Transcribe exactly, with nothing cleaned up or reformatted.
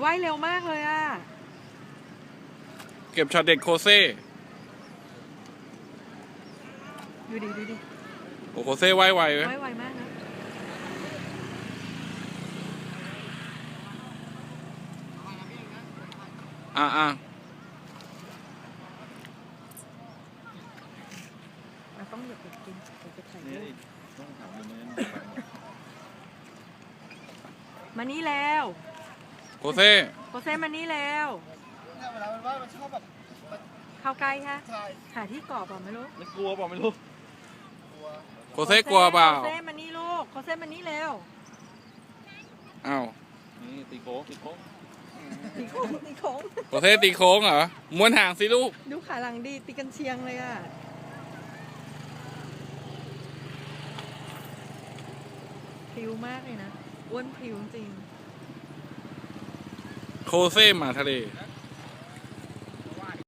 ว่ายเร็วมากเลยอ่ะเก็บช็อตเด็ดโคเซ่ดูดิดูดิโอ้โคเซ่ว่ายไวไหมว่ายไวมากนะอ่ะอ่ะเราต้องหยุดกินเดี๋ยวจะถ่ายรูปมานี่แล้วโคเซ่โคเซ่มานี่แล้วเนี่ยเวลามันว่ายมันชอบแบบเข้าใกล้ฮะใช่หาที่เกาะเปล่าไม่รู้ไม่กลัวเปล่าไม่รู้ตัวโคเซ่กลัวเปล่าโคเซ่มานี่ลูกโคเซ่มานี่แล้วอ้าวนี่ตีโค้งตีโค้งตีโค้งตีโค้งโคเซ่ตีโค้งเหรอม้วนหางสิลูกดูขาหลังดีตีกันเชียงเลยอ่ะพริ้วมากเลยนะอ้วนพริ้วจริงโคเซ่หมาทะเลนะ